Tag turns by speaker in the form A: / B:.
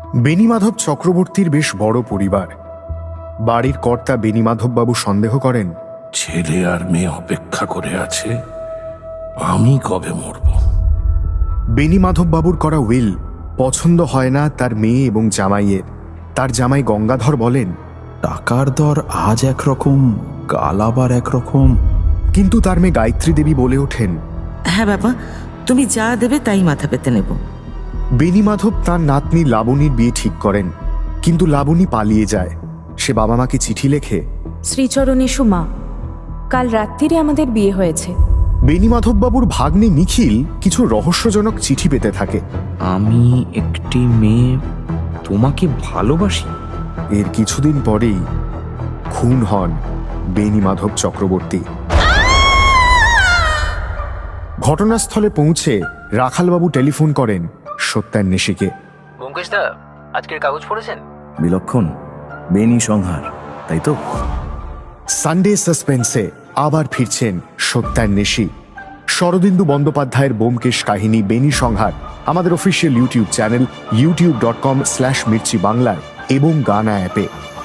A: বেণীমাধব চক্রবর্তীর বেশ বড় পরিবার। বাড়ির কর্তা বেণীমাধববাবু সন্দেহ করেন,
B: ছেলে আর মেয়ে অপেক্ষা করে আছে, আমি কবে মরব।
A: বেণীমাধববাবুর করা উইল পছন্দ হয় না তার মেয়ে এবং জামাইয়ের। তার জামাই গঙ্গাধর বলেন,
C: টাকার দর আজ একরকম, কাল আবার একরকম।
A: কিন্তু তার মেয়ে গায়ত্রী দেবী বলে ওঠেন,
D: হ্যাঁ বাবা, তুমি যা দেবে তাই মাথা পেতে নেব।
A: বেণীমাধব তাঁর নাতনি লাবণীর বিয়ে ঠিক করেন, কিন্তু লাবণী পালিয়ে যায়। সে বাবা মাকে চিঠি লেখে,
E: শ্রীচরণেশু মা, কাল রাত্রিরে আমাদের বিয়ে হয়েছে।
A: বেণীমাধববাবুর ভাগ্নে নিখিল কিছু রহস্যজনক চিঠি পেতে থাকে।
F: আমি একটি মেয়ে, তোমাকে ভালোবাসি।
A: এর কিছুদিন পরেই খুন হন বেণীমাধব চক্রবর্তী। ঘটনাস্থলে পৌঁছে রাখালবাবু টেলিফোন করেন সত্যান্বেষীকে।
G: ব্যোমকেশ দা, আজকের কাগজ পড়েছেন?
C: বিলক্ষণ, বেণী সংহার, তাই তো?
A: সানডে সাসপেন্সে আবার ফিরছেন সত্যান্বেষী। শরদিন্দু বন্দ্যোপাধ্যায়ের ব্যোমকেশ কাহিনী বেণী সংহার আমাদের অফিসিয়াল ইউটিউব চ্যানেল youtube.com/mirchi বাংলায় এবং গানা অ্যাপে।